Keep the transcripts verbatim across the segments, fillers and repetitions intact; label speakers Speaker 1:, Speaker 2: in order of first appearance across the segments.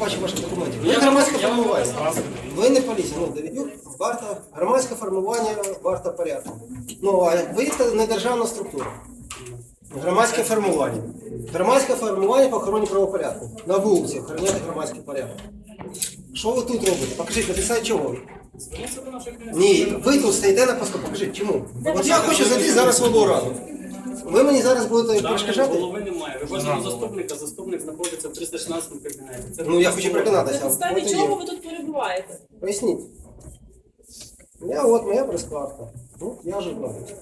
Speaker 1: бачу ваші документи. Ви громадське формування. Ви не поліція. Ну, Давидюк, варта, громадське формування, варта порядку. Ну, а ви це не державна структура. Громадське формування. Громадське формування по охороні правопорядку. На вулиці охороняти громадський порядок. Що ви тут робите? Покажіть, написати чого? Ні, ви тут стоїте на посту, покажіть, чому? От я хочу зайти зараз в облраду. Ви мені зараз будете перешкоджати?
Speaker 2: Голови немає. Ви хочете до заступника, заступник знаходиться в триста шістнадцятому кабінеті. Це
Speaker 1: Ну я хочу переконатися.
Speaker 3: На підставі чого ви тут перебуваєте?
Speaker 1: Поясніть. Я от моя прес-картка. Ну, я журналіст.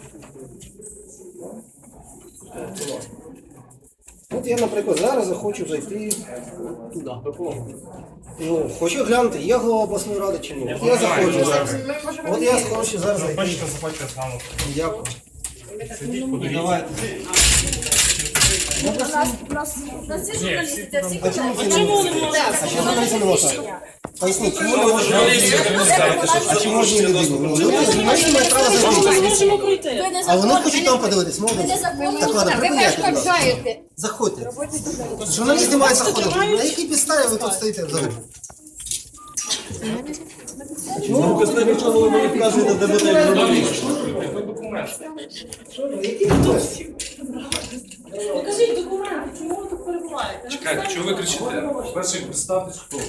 Speaker 1: Будь ласка. От я, наприклад, зараз захочу зайти туди. Ну, хочу глянути, є голова обласної ради чи ні. От я заходжу зараз. От я хочу зараз зайти.
Speaker 4: Бачите, заплатите з нами.
Speaker 1: Дякую.
Speaker 4: Сидіть, подивіться.
Speaker 1: Давайте.
Speaker 5: У нас, у нас, у нас є журналісти, це всі
Speaker 1: А чому
Speaker 5: питання.
Speaker 1: це не
Speaker 3: Чому
Speaker 1: можна?
Speaker 3: не можна?
Speaker 1: А чому журналісти не можна? Поясніть, чому не можна? А чому ж не людину? Ну, люди журналісти мають право
Speaker 3: Ми
Speaker 1: зайти.
Speaker 3: можемо пройти.
Speaker 5: Ви не
Speaker 1: А вони
Speaker 5: законні,
Speaker 1: хочуть там подивитись, можна?
Speaker 5: ви незаконні.
Speaker 1: Так ладно,
Speaker 5: Ви
Speaker 1: припиняйте, будь ласка.
Speaker 5: перешкоджаєте.
Speaker 1: Заходьте. Журналісти мають заходити. На якій підставі ви тут стоїте взагалі? Чому ви знаєте, чого ви мені вказуєте, де буде журналіст? Які документи?
Speaker 3: Покажіть документи, чому ви тут перебуваєте?
Speaker 4: Чекайте, чого ви кричите? Перше, представтесь, хто ви.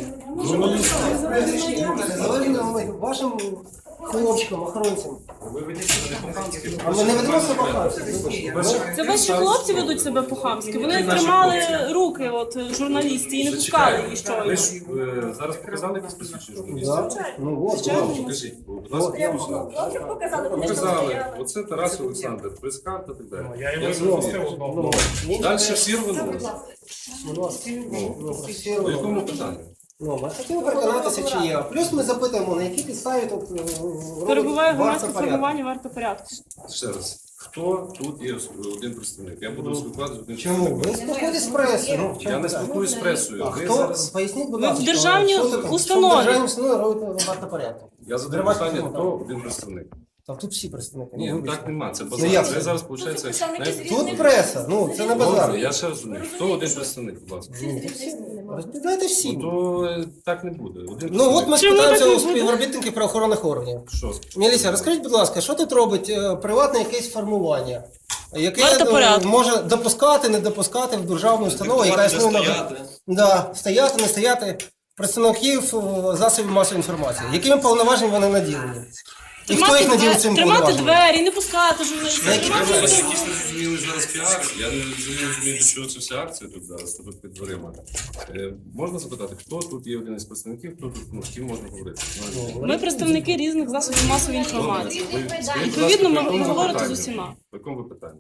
Speaker 1: Завалено вашим хлопчикам, охоронцям.
Speaker 4: Ви ведіть себе не по-хамськи.
Speaker 1: А ми не ведемо себе по-хамськи.
Speaker 3: Це ваші хлопці ведуть себе по-хамськи. Вони тримали руки от журналістів і не пускали її
Speaker 4: Ви
Speaker 3: щойно.
Speaker 4: ж е, зараз показали якісь посвідчення журналістів?
Speaker 1: Ну от,
Speaker 4: Покажіть, будь ласка, посвідчення.
Speaker 5: Хлопцям показали, вони ж там
Speaker 4: Показали.
Speaker 5: стояли.
Speaker 4: Оце Тарас Олександр, прес-карта і так далі.
Speaker 6: Я його
Speaker 4: Я
Speaker 6: і
Speaker 4: зрозумів.
Speaker 6: запустив одного.
Speaker 4: Далі всі рванули.
Speaker 1: Ну, всі
Speaker 4: По
Speaker 1: робимо.
Speaker 4: якому питанню?
Speaker 1: Ну, ми хотіли переконатися, чи є. Плюс ми запитуємо, на якій підставі тут е,
Speaker 3: Перебуває
Speaker 1: робить
Speaker 3: громадське
Speaker 1: варта порядку.
Speaker 3: формування варто порядку.
Speaker 4: Ще раз. Хто тут є один представник? Я буду спілкуватися з одним
Speaker 1: Чому? Ви
Speaker 4: представником.
Speaker 1: спілкуєтесь з пресою. Ну, в чому
Speaker 4: Я не
Speaker 1: питання?
Speaker 4: спілкуюсь з пресою.
Speaker 1: А
Speaker 4: Ви
Speaker 1: хто?
Speaker 4: зараз...
Speaker 1: Поясніть, будь
Speaker 3: Ви в
Speaker 1: ласка.
Speaker 3: державній
Speaker 1: що таке?
Speaker 3: установі.
Speaker 1: Що в державній установі робите варто порядку?
Speaker 4: Я задаю
Speaker 1: Громадське
Speaker 4: питання,
Speaker 1: формування.
Speaker 4: хто один представник.
Speaker 1: Там тут всі представники.
Speaker 4: Ні,
Speaker 1: ну,
Speaker 4: ну
Speaker 1: вибачте.
Speaker 4: так нема, це
Speaker 1: Ну,
Speaker 4: базар.
Speaker 1: як
Speaker 4: Це
Speaker 1: це?
Speaker 4: зараз виходить...
Speaker 5: представники з
Speaker 4: знаєте,
Speaker 1: Тут преса, ну це не базар.
Speaker 4: Добре, я ще розумію. Хто один представник, будь ласка?
Speaker 1: Розповідайте всі.
Speaker 4: Ну то е, так не буде. Один
Speaker 1: Ну от ми
Speaker 3: Чому
Speaker 1: спитаємося
Speaker 3: так
Speaker 1: у
Speaker 3: не буде?
Speaker 1: співробітників правоохоронних органів.
Speaker 4: Що?
Speaker 1: Міліція, розкажіть, будь ласка, що тут робить е, приватне якесь формування, яке
Speaker 3: Варто
Speaker 1: е,
Speaker 3: порядку.
Speaker 1: може допускати, не допускати в державну установу, яка існує на да, стояти, не стояти представників е, засобів масової інформації. Якими повноваженнями вони наділені? І хто їх наділив цим
Speaker 3: Тримати
Speaker 1: повноваженням?
Speaker 3: двері, не пускати журналістів.
Speaker 1: На які
Speaker 4: Ви
Speaker 3: Тримати
Speaker 4: якісь
Speaker 3: двері.
Speaker 4: незрозуміли зараз піар. Я не розумію, до чого це вся акція тут зараз, тут під дверима. Е, можна запитати, хто тут є один із представників, хто тут, ну, з ким можна говорити? Ну,
Speaker 3: Ми представники різних засобів масової інформації.
Speaker 4: ви- скажіть, будь
Speaker 3: Відповідно,
Speaker 4: ласка,
Speaker 3: ми
Speaker 4: по якому
Speaker 3: говорите з
Speaker 4: питанню?
Speaker 3: усіма.
Speaker 4: По якому ви питанню?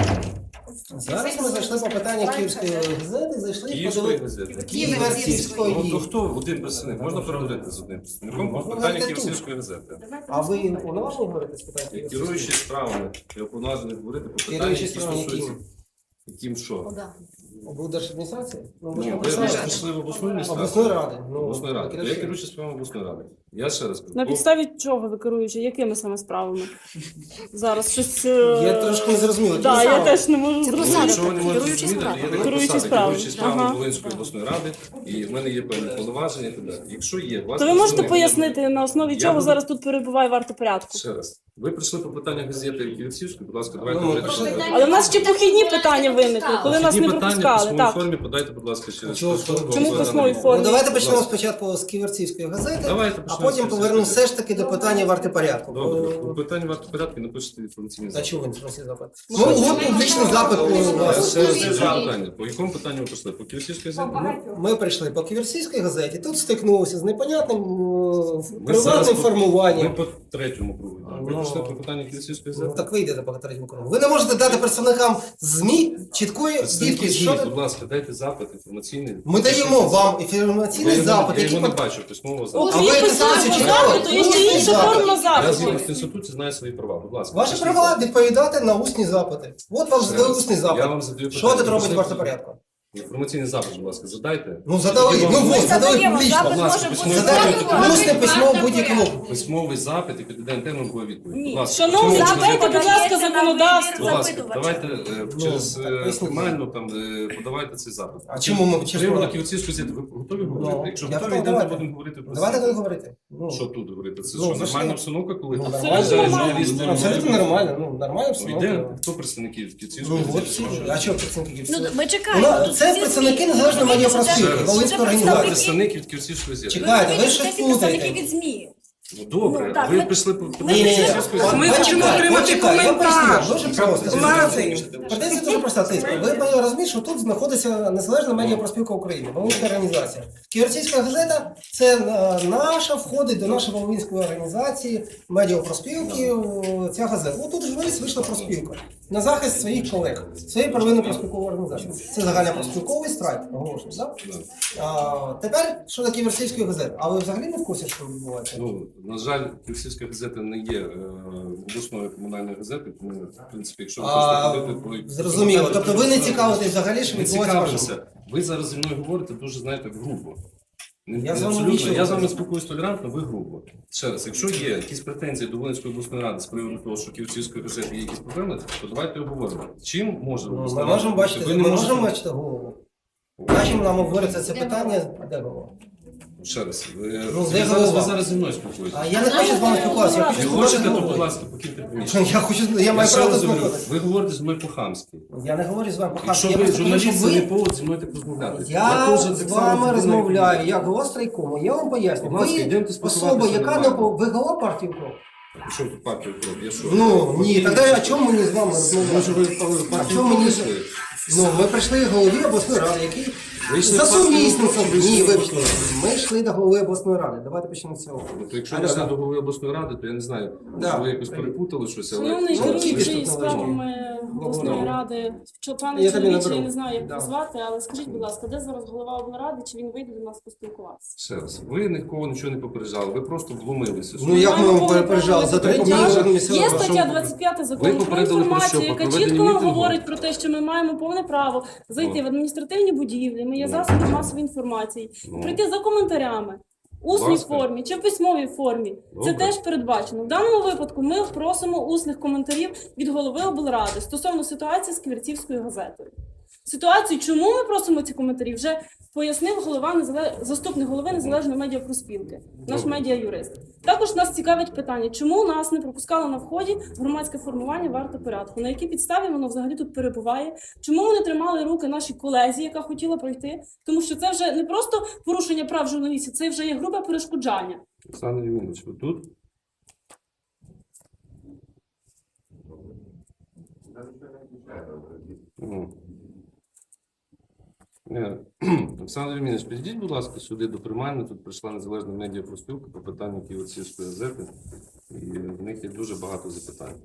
Speaker 1: Зараз ми зайшли по питанню Київської газети, зайшли
Speaker 4: Київської
Speaker 1: подивитися.
Speaker 4: газети.
Speaker 1: Київської.
Speaker 4: Ну, то хто один представник? Можна переговорити з одним представником по
Speaker 1: Можна
Speaker 4: питанню
Speaker 1: говорити тут.
Speaker 4: Київської газети.
Speaker 1: А ви уповноважені говорити з питань?
Speaker 4: Керуючі справами, я уповноважений говорити по питанню,
Speaker 1: Керуючі
Speaker 4: які
Speaker 1: справами
Speaker 4: стосуються...
Speaker 1: якими?
Speaker 4: Яким що?
Speaker 1: Облдержадміністрації? Ну, ви ж
Speaker 4: Ну, ви
Speaker 1: написали.
Speaker 4: ж прийшли в обласну адміністрацію.
Speaker 1: Обласної ради. Ну,
Speaker 4: Обласної ради.
Speaker 1: керуючі.
Speaker 4: Я керуючий справами обласної ради. Я ще раз кажу.
Speaker 3: На
Speaker 4: по-
Speaker 3: підставі чого ви керуючи? Якими саме справами? Зараз щось... е,
Speaker 1: Я трошки не зрозумів.
Speaker 3: Так, я теж не можу
Speaker 4: Ну,
Speaker 3: зрозуміти.
Speaker 4: якщо ви не можете зрозуміти, то є така
Speaker 3: Керуючі
Speaker 4: посада,
Speaker 3: справами.
Speaker 4: керуючі справами
Speaker 3: Ага.
Speaker 4: Волинської обласної ради, і в мене є певні повноваження і так далі. Якщо є, у вас
Speaker 3: То ви можете
Speaker 4: представник-
Speaker 3: пояснити, на основі
Speaker 4: Я
Speaker 3: чого
Speaker 4: буду-
Speaker 3: зараз тут перебуває варто порядку?
Speaker 4: Ще раз. Ви прийшли по питаннях газети Київської, будь ласка, давайте
Speaker 1: Ну,
Speaker 4: говорити.
Speaker 1: прийшли.
Speaker 4: про це.
Speaker 3: Але в нас ще похідні питання виникли, коли нас
Speaker 4: Ті
Speaker 3: не
Speaker 4: питання по
Speaker 3: пропускали.
Speaker 4: своїй
Speaker 3: Так.
Speaker 4: формі подайте, будь ласка, через
Speaker 1: Чого?
Speaker 4: поштову
Speaker 3: Чому
Speaker 4: послугу
Speaker 3: по своїй
Speaker 4: на-
Speaker 3: формі?
Speaker 1: Ну, давайте почнемо
Speaker 4: Будь ласка.
Speaker 1: спочатку з Ківерцівської газети,
Speaker 4: Давайте
Speaker 1: а
Speaker 4: почнемо
Speaker 1: потім
Speaker 4: з
Speaker 1: повернемо
Speaker 4: Київської.
Speaker 1: все ж таки до питання варти порядку.
Speaker 4: Добре,
Speaker 1: Бо-
Speaker 4: по питанню варто порядку напишете інформаційний
Speaker 1: А
Speaker 4: запит.
Speaker 1: чого ви не просите запит? Ну, от публічний запит у
Speaker 4: Я
Speaker 1: вас.
Speaker 4: ще раз задаю питання. По якому питанню ви прийшли? По Київській газеті?
Speaker 1: Ми прийшли по Ківерцівській газеті, тут стикнулися з непонятним е,
Speaker 4: Ми зараз
Speaker 1: приватним
Speaker 4: по-
Speaker 1: формуванням.
Speaker 4: Ми по третьому кругу. Ви
Speaker 1: Ну,
Speaker 4: прийшли по питанню Київської
Speaker 1: Ну,
Speaker 4: газети?
Speaker 1: так ви йдете по третьому кругу. Ви не можете дати представникам ЗМІ чіткої
Speaker 4: Представники
Speaker 1: відповіді.
Speaker 4: ЗМІ,
Speaker 1: Що
Speaker 4: будь
Speaker 1: ви-
Speaker 4: ласка, дайте запит інформаційний.
Speaker 1: Ми даємо вам
Speaker 4: Я
Speaker 1: інформаційний
Speaker 4: його-
Speaker 1: запит,
Speaker 4: Я
Speaker 1: який
Speaker 4: його не
Speaker 1: пот-
Speaker 4: бачу письмового
Speaker 3: У
Speaker 4: запиту.
Speaker 1: А ви
Speaker 3: письмовому
Speaker 1: писали, чи читали?
Speaker 3: запиту є ще
Speaker 1: Усний
Speaker 3: інша
Speaker 1: запит.
Speaker 3: форма
Speaker 4: Я
Speaker 3: запиту.
Speaker 4: згідно з Конституцією знаю свої права. Будь ласка.
Speaker 1: Ваші
Speaker 4: пишіть
Speaker 1: права
Speaker 4: запит.
Speaker 1: відповідати на усні запити. От вам
Speaker 4: Ще
Speaker 1: задали
Speaker 4: раз.
Speaker 1: усний
Speaker 4: Я
Speaker 1: запит.
Speaker 4: вам задаю
Speaker 1: Що
Speaker 4: питання.
Speaker 1: тут робить
Speaker 4: Пишіть.
Speaker 1: варто порядку?
Speaker 4: Інформаційний запит, будь ласка, задайте.
Speaker 1: Ну задали,
Speaker 4: Тоді
Speaker 1: ну
Speaker 4: вам
Speaker 1: вот, задали
Speaker 5: задаємо,
Speaker 1: публічно.
Speaker 5: запит
Speaker 4: Будь ласка,
Speaker 5: може
Speaker 4: письмовий
Speaker 5: бути
Speaker 1: Задали
Speaker 4: запит.
Speaker 1: усне письмо в будь-якому.
Speaker 4: Письмовий запит і під день термін буде відповідь.
Speaker 5: Ні.
Speaker 4: Будь ласка,
Speaker 3: Шановні,
Speaker 4: письмовий
Speaker 3: читайте,
Speaker 4: запит.
Speaker 3: будь ласка, законодавство.
Speaker 4: Будь ласка,
Speaker 5: Запитувача.
Speaker 4: давайте е,
Speaker 1: Ну,
Speaker 4: через
Speaker 1: так,
Speaker 4: е,
Speaker 1: поясніть.
Speaker 4: формально там е, подавайте цей запит.
Speaker 1: А чому ми через
Speaker 4: Приводу
Speaker 1: формально?
Speaker 4: Київської газети, ви готові говорити?
Speaker 1: Ну,
Speaker 4: Якщо
Speaker 1: я
Speaker 4: готові,
Speaker 1: готовий,
Speaker 4: йдемо
Speaker 1: давайте.
Speaker 4: будемо говорити про
Speaker 1: Давайте
Speaker 4: це.
Speaker 1: тут говорити. Ну,
Speaker 4: Що тут говорити? Це
Speaker 1: Ну,
Speaker 4: що,
Speaker 1: зайшли.
Speaker 4: нормальна обстановка, коли
Speaker 1: ну,
Speaker 3: Абсолютно
Speaker 1: нормально.
Speaker 3: нормально.
Speaker 4: журналісти?
Speaker 1: Абсолютно нормально, ну, нормальна
Speaker 4: Ну, йде,
Speaker 1: обстановка.
Speaker 4: хто представники Київської
Speaker 1: Ну, от
Speaker 4: газети?
Speaker 1: всі. А чого представники?
Speaker 5: Ну,
Speaker 1: Всі?
Speaker 5: ми чекаємо.
Speaker 1: Вона-
Speaker 5: Тут
Speaker 1: це
Speaker 5: всі
Speaker 1: представники
Speaker 5: ЗМІ.
Speaker 1: Незалежної
Speaker 5: Ну,
Speaker 1: медіапроспілки,
Speaker 5: це- це
Speaker 1: Волинської організації.
Speaker 5: представники-
Speaker 4: Представник від Київської газети.
Speaker 1: Чекайте, ви
Speaker 5: Ну,
Speaker 1: щось
Speaker 5: це представники
Speaker 1: плутаєте.
Speaker 5: від ЗМІ.
Speaker 4: Ну, добре,
Speaker 5: Ну, так,
Speaker 4: ви
Speaker 5: ми-
Speaker 4: прийшли по
Speaker 5: ми
Speaker 1: Ні, ні, ні.
Speaker 4: Київської газети.
Speaker 6: Ми
Speaker 1: От
Speaker 6: хочемо
Speaker 1: чекай,
Speaker 6: отримати
Speaker 1: от чекай, я
Speaker 6: коментар.
Speaker 1: поясню, дуже просто.
Speaker 6: Влади.
Speaker 1: Претензія дуже проста, тиска. Ви повинні розуміти, що тут знаходиться Незалежна медіапроспілка України, Волинська організація. Ківерцівська газета – це е, наша, входить до нашої Волинської організації, медіапроспілки, о, ця газета. От тут журналіст вийшла проспілка на захист своїх колег, своєї первинної проспілкової організації. Це загальна проспілковий страйк, оголошено, так? А, тепер, що таке Ківерцівської газети? А ви взагалі не в курсі, що відбувається?
Speaker 4: Ну, на жаль, Київська газета не є е, обласною комунальною газетою, тому, в принципі, якщо ви
Speaker 1: А,
Speaker 4: хочете ходити по...
Speaker 1: зрозуміло. Тобто ви не цікавитесь взагалі, що
Speaker 4: Не
Speaker 1: відбувається в вашому?
Speaker 4: цікавимося. Ви зараз зі мною говорите дуже, знаєте, грубо. Не-
Speaker 1: Я з вами
Speaker 4: абсолютно.
Speaker 1: нічого
Speaker 4: Я
Speaker 1: не
Speaker 4: з вами
Speaker 1: кажу.
Speaker 4: спілкуюсь толерантно, ви грубо. Ще раз, якщо є якісь претензії до Волинської обласної ради з приводу того, що Київської газети є якісь проблеми, то давайте обговоримо. Чим може
Speaker 1: Ну,
Speaker 4: обласна
Speaker 1: Ми
Speaker 4: рада
Speaker 1: можемо
Speaker 4: бути?
Speaker 1: бачити,
Speaker 4: Ви
Speaker 1: ми
Speaker 4: не можете-
Speaker 1: можемо бачити голову. Бачимо, нам говориться це питання, а де голова?
Speaker 4: Ще раз, ви,
Speaker 1: Ну,
Speaker 4: ви
Speaker 1: де
Speaker 4: зараз,
Speaker 1: голова?
Speaker 4: ви зараз зі мною спілкуєтеся.
Speaker 1: А я не хочу з вами спілкуватися, я
Speaker 4: Не
Speaker 1: хочу
Speaker 4: хочете,
Speaker 1: спілкуватися з
Speaker 4: то, будь
Speaker 1: головою.
Speaker 4: ласка, покиньте приміщення.
Speaker 1: Я хочу, я
Speaker 4: Я
Speaker 1: маю
Speaker 4: ще
Speaker 1: право
Speaker 4: раз говорю,
Speaker 1: спілкуватися.
Speaker 4: ви говорите зі мною по-хамськи.
Speaker 1: Я не говорю з вами по
Speaker 4: Якщо
Speaker 1: я
Speaker 4: ви
Speaker 1: просто хочу,
Speaker 4: журналіст,
Speaker 1: щоб
Speaker 4: це не
Speaker 1: ви-
Speaker 4: повод зі мною так розмовляти.
Speaker 1: Я
Speaker 4: теж
Speaker 1: з
Speaker 4: так само
Speaker 1: вами
Speaker 4: людина,
Speaker 1: розмовляю,
Speaker 4: як
Speaker 1: як голова страйкому. Я вам поясню.
Speaker 4: Будь ласка,
Speaker 1: Ви
Speaker 4: йдемте спілкуватися
Speaker 1: особа, яка не
Speaker 4: нормально.
Speaker 1: по... Ви голова партії УКРОП?
Speaker 4: ви. Що тут партія «Укроп»? Я що?
Speaker 1: Ну, ні, тоді о чому мені з вами
Speaker 4: Може,
Speaker 1: розмовляти?
Speaker 4: ви
Speaker 1: А
Speaker 4: партію
Speaker 1: чому мені...
Speaker 4: прийшли?
Speaker 1: Ну, ми прийшли до голови обласної ради, який
Speaker 4: Ви йшли
Speaker 1: за
Speaker 4: в партію
Speaker 1: сумісництвом.
Speaker 4: «Укроп» чи ви
Speaker 1: Ні,
Speaker 4: йшли в
Speaker 1: вибачте.
Speaker 4: обласну
Speaker 1: Ми йшли до голови обласної ради. Давайте почнемо з цього.
Speaker 4: Ну, то якщо
Speaker 1: А,
Speaker 4: ви йшли
Speaker 1: да.
Speaker 4: до голови обласної ради, то я не знаю,
Speaker 1: Да.
Speaker 4: може ви якось перепутали щось, але...
Speaker 3: Шановний
Speaker 1: Ну,
Speaker 3: керуючий
Speaker 1: кіпіш тут
Speaker 3: справами обласної
Speaker 1: Ну.
Speaker 3: ради, що пане
Speaker 1: Я тобі
Speaker 3: чоловіче,
Speaker 1: наберу.
Speaker 3: я не знаю, як
Speaker 1: Да.
Speaker 3: назвати, але скажіть, будь ласка, де зараз голова облради, чи він вийде до нас поспілкуватися?
Speaker 4: Ще раз, ви нікого нічого не попереджали, ви просто вломилися.
Speaker 1: Ну як ми
Speaker 3: Маємо
Speaker 1: вам
Speaker 3: повне
Speaker 1: перепереджали?
Speaker 3: право
Speaker 1: За три дні
Speaker 3: попереджати.
Speaker 1: вже місцева
Speaker 3: Є
Speaker 1: ваша-
Speaker 3: стаття двадцять п'ять закону
Speaker 4: Ви
Speaker 3: про
Speaker 4: попередили про
Speaker 3: інформацію,
Speaker 4: що? Про
Speaker 3: яка
Speaker 4: проведення
Speaker 3: чітко нам
Speaker 4: мітингу?
Speaker 3: говорить про те, що ми маємо повне право зайти
Speaker 4: Ну.
Speaker 3: в адміністративні будівлі, ми є
Speaker 4: Ну.
Speaker 3: засоби масової інформації,
Speaker 4: Ну.
Speaker 3: прийти за коментарями. В усній
Speaker 4: ласка.
Speaker 3: формі чи в письмовій формі.
Speaker 4: Добре.
Speaker 3: Це теж передбачено. В даному випадку ми просимо усних коментарів від голови облради стосовно ситуації з Ківерцівською газетою. Ситуацію, чому ми просимо ці коментарі, вже пояснив голова незале- заступник голови Незалежної медіапроспілки, наш
Speaker 4: Добре.
Speaker 3: медіа-юрист. Також нас цікавить питання, чому нас не пропускало на вході громадське формування варти порядку, на якій підставі воно взагалі тут перебуває, чому вони тримали руки нашій колезі, яка хотіла пройти, тому що це вже не просто порушення прав журналістів, це вже є грубе перешкоджання.
Speaker 4: Олександр Євгенович, ви тут? Ну. Ні. Олександр Євгенович, підійдіть, будь ласка, сюди до приймальні. Тут прийшла незалежна медіапроспілка по питанню Києво-Сільської газети. І в них є дуже багато запитань.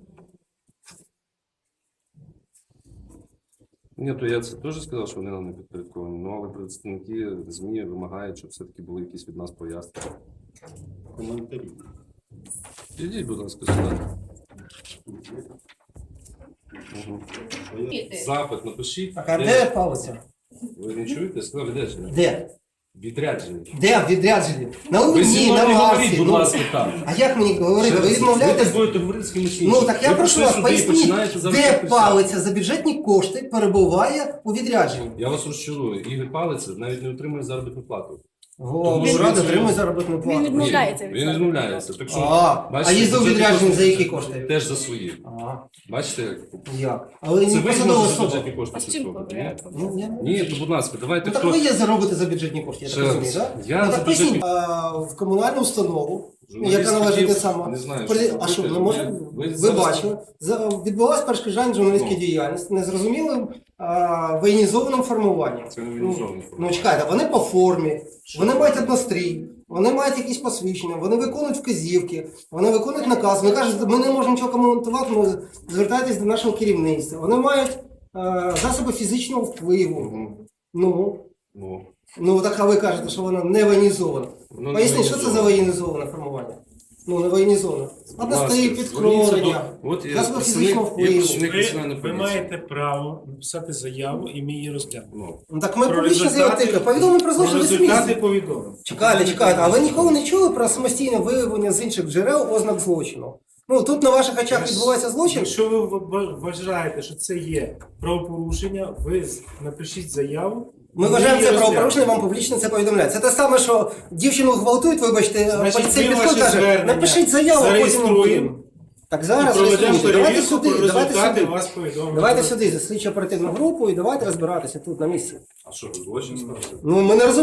Speaker 4: Ні, то я це теж сказав, що вони нам не підпорядковані. Ну, але представники ЗМІ вимагають, щоб все-таки були якісь від нас пояснення. Коментарі. Підійдіть, будь ласка, сюди. Угу. Запит напишіть.
Speaker 1: Так, а де палиця?
Speaker 4: Ви не чуєте? Сказав відрядження.
Speaker 1: Де?
Speaker 4: Відрядження.
Speaker 1: Де в відрядженні? На
Speaker 4: Ви зі
Speaker 1: Луні,
Speaker 4: мною
Speaker 1: на
Speaker 4: не говоріть,
Speaker 1: Марсі.
Speaker 4: будь
Speaker 1: Ну,
Speaker 4: ласка, так.
Speaker 1: а як мені говорити? Ви
Speaker 4: Ви
Speaker 1: відмовляєтесь?
Speaker 4: будете говорити з кимось іншим.
Speaker 1: Ну так я
Speaker 4: Ви
Speaker 1: прошу
Speaker 4: прийшли
Speaker 1: вас,
Speaker 4: сюди і
Speaker 1: поясніть,
Speaker 4: починаєте зараз
Speaker 1: де
Speaker 4: писати.
Speaker 1: палиця за бюджетні кошти перебуває у відрядженні?
Speaker 4: Я вас розчарую. Ігор Палиця навіть не отримує заробітну плату.
Speaker 1: О,
Speaker 4: Тому що
Speaker 1: Рада
Speaker 4: він-
Speaker 1: отримує заробітну
Speaker 5: Він
Speaker 1: плату.
Speaker 5: відмовляється від
Speaker 4: Він
Speaker 5: цього.
Speaker 4: відмовляється. Так що,
Speaker 1: А,
Speaker 4: бачите,
Speaker 1: а їздив у
Speaker 4: бюджетні
Speaker 1: відрядження
Speaker 4: кошти
Speaker 1: за які кошти?
Speaker 4: Теж за свої.
Speaker 1: А,
Speaker 4: Бачите, як?
Speaker 1: як? Але
Speaker 4: Це
Speaker 1: не
Speaker 4: ви
Speaker 1: посадова
Speaker 4: можете за
Speaker 1: особа.
Speaker 4: бюджетні кошти
Speaker 5: А з чим
Speaker 4: працювати, ні?
Speaker 5: пов'язано?
Speaker 1: Ну, я не
Speaker 4: Ні, то будь ласка, давайте
Speaker 1: Ну так
Speaker 4: хто...
Speaker 1: ви є заробити за бюджетні кошти, я
Speaker 4: Ще
Speaker 1: так
Speaker 4: раз.
Speaker 1: розумію, так?
Speaker 4: Я
Speaker 1: Ну
Speaker 4: за
Speaker 1: так поясніть,
Speaker 4: бюджетні-
Speaker 1: а, в комунальну установу,
Speaker 4: Журналіст
Speaker 1: яка належить
Speaker 4: хотів-
Speaker 1: те саме.
Speaker 4: не знаю,
Speaker 1: При-
Speaker 4: що
Speaker 1: А що,
Speaker 4: робити.
Speaker 1: не може?
Speaker 4: Ви- ви
Speaker 1: Ви
Speaker 4: зараз-
Speaker 1: бачили, за- відбулася перешкоджання журналістської
Speaker 4: Ну.
Speaker 1: діяльності незрозумілим а, воєнізованим формуванням.
Speaker 4: Це не воєнізоване
Speaker 1: Ну, ну чекайте, вони по формі, вони мають однострій, вони мають якісь посвідчення, вони виконують вказівки, вони виконують наказ. Вони кажуть, ми не можемо нічого коментувати, ми звертайтесь до нашого керівництва. Вони мають е, засоби фізичного впливу.
Speaker 4: Мгм.
Speaker 1: Ну,
Speaker 4: Ну,
Speaker 1: ну так а ви кажете, що воно не воєнізовано.
Speaker 4: воно не
Speaker 1: Поясніть, що це за
Speaker 4: воєнізоване.
Speaker 1: воєнізоване формування? Ну, не воєнні зони. Одностої, підкровлення,
Speaker 4: От є
Speaker 1: засоби
Speaker 4: представник,
Speaker 1: фізичного
Speaker 4: є
Speaker 1: впливу.
Speaker 4: представник
Speaker 6: Ви,
Speaker 4: національної
Speaker 6: ви
Speaker 4: поліції.
Speaker 6: маєте право написати заяву і ми її розглянемо.
Speaker 4: Ну,
Speaker 1: Ну, так ми
Speaker 6: Про
Speaker 1: публічно
Speaker 6: результати-
Speaker 1: заявили, повідомлення про
Speaker 6: Про
Speaker 1: злочин ви
Speaker 6: результати
Speaker 1: самі.
Speaker 6: повідомимо.
Speaker 1: Чекайте, чекайте, а ви ніколи не чули про самостійне виявлення з інших джерел ознак злочину? Ну, тут на ваших очах відбувається злочин.
Speaker 6: Якщо ви в- вважаєте, що це є правопорушення, ви з- напишіть заяву.
Speaker 1: Ми
Speaker 6: і
Speaker 1: вважаємо
Speaker 6: її
Speaker 1: це
Speaker 6: розглянемо.
Speaker 1: правопорушення, вам публічно це повідомляють. Це те саме, що дівчину гвалтують, вибачте,
Speaker 6: Значить,
Speaker 1: поліцей
Speaker 6: ми
Speaker 1: підходить,
Speaker 6: ваше
Speaker 1: каже,
Speaker 6: звернення
Speaker 1: напишіть заяву, а потім ми
Speaker 6: зареєструємо.
Speaker 1: будемо. Так
Speaker 6: І
Speaker 1: зараз
Speaker 6: проведемо
Speaker 1: реєструйте. Давайте
Speaker 6: перевірку,
Speaker 1: сюди,
Speaker 6: про
Speaker 1: давайте
Speaker 6: результати
Speaker 1: сюди.
Speaker 6: вас повідомимо.
Speaker 1: Давайте сюди, за слідчо оперативну групу і давайте розбиратися тут на місці.
Speaker 4: а що, злочин стався?
Speaker 1: Ну, ми не розуміємо.